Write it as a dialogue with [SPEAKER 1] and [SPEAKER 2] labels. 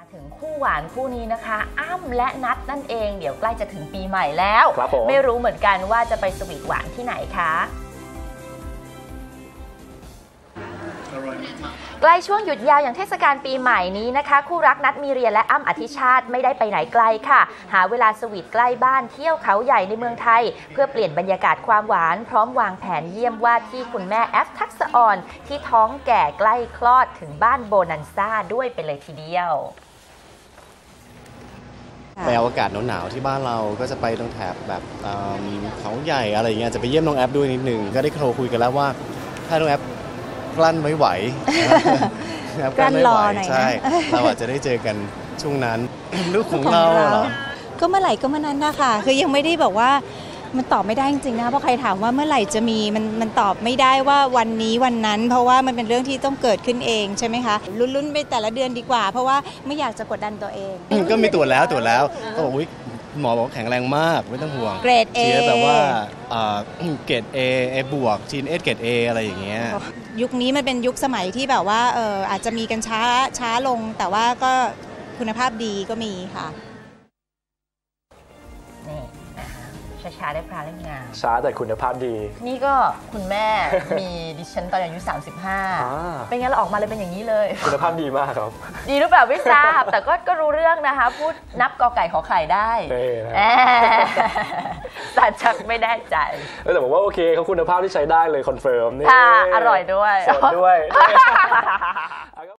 [SPEAKER 1] ถึงคู่หวานคู่นี้นะคะอ้ำและนัทนั่นเองเดี๋ยวใกล้จะถึงปีใหม่แล้วไม่รู้เหมือนกันว่าจะไปสวีทหวานที่ไหนคะใกล้ช่วงหยุดยาวอย่างเทศกาลปีใหม่นี้นะคะคู่รักนัทมีเรียและอ้ำอธิชาติไม่ได้ไปไหนไกลค่ะหาเวลาสวีทใกล้บ้านเที่ยวเขาใหญ่ในเมืองไทยเพื่อเปลี่ยนบรรยากาศความหวานพร้อมวางแผนเยี่ยมว่าที่คุณแม่แอฟทักษะอ่อนที่ท้องแก่ใกล้คลอดถึงบ้านโบนันซ่าด้วยไปเลยทีเดียว
[SPEAKER 2] ไปเอาอากาศหนาวๆที่บ้านเราก็จะไปตรงแถบแบบเขาใหญ่อะไรอย่างเงี้ยจะไปเยี่ยมน้องแอฟด้วยนิดนึงก็ได้โทรคุยกันแล้วว่าถ้าน้องแอฟกลั้นไม่ไหวกลั้นไม่ไหวใช่เราอาจจะได้เจอกันช่วงนั้นลูกของเราเหรอ
[SPEAKER 3] ก็เมื่อไหร่ก็เมื่อนั้นนะคะคือยังไม่ได้บอกว่ามันตอบไม่ได้จริงๆนะเพราะใครถามว่าเมื่อไหร่จะมีมันตอบไม่ได้ว่าวันนี้วันนั้นเพราะว่ามันเป็นเรื่องที่ต้องเกิดขึ้นเองใช่ไหมคะลุ้นๆไปแต่ละเดือนดีกว่าเพราะว่าไม่อยากจะกดดันตัวเอง
[SPEAKER 2] ก็มีตรวจแล้วก็บอกหมอบอกแข็งแรงมากไม่ต้องห่วง
[SPEAKER 3] เกรด A
[SPEAKER 2] เชื้อแบบว่าเกรด A บวกจีนเกรด A อะไรอย่างเงี้ย
[SPEAKER 3] ยุคนี้มันเป็นยุคสมัยที่แบบว่าอาจจะมีกันช้าลงแต่ว่าก็คุณภาพดีก็มีค่ะ
[SPEAKER 1] นี่นะคะช้าได้พลาเล่นงาน
[SPEAKER 4] ช้าแต่คุณภาพดี
[SPEAKER 1] นี่ก็คุณแม่มีดิฉันตอนอายุ35เป็นไงเราออกมาเลยเป็นอย่างนี้เลย
[SPEAKER 4] คุณภาพดีมากครับ
[SPEAKER 1] ดีหรือเปล่าไม่ทราบแต่ก็รู้เรื่องนะคะพูดนับกอไก่ขอไข่ได้แต่ชักไม่ได้ใจ
[SPEAKER 4] แต่ผมว่าโอเคเขาคุณภาพที่ใช้ได้เลยคอนเฟิร์มนี่
[SPEAKER 1] อร่อยด้วย
[SPEAKER 4] สดด้วย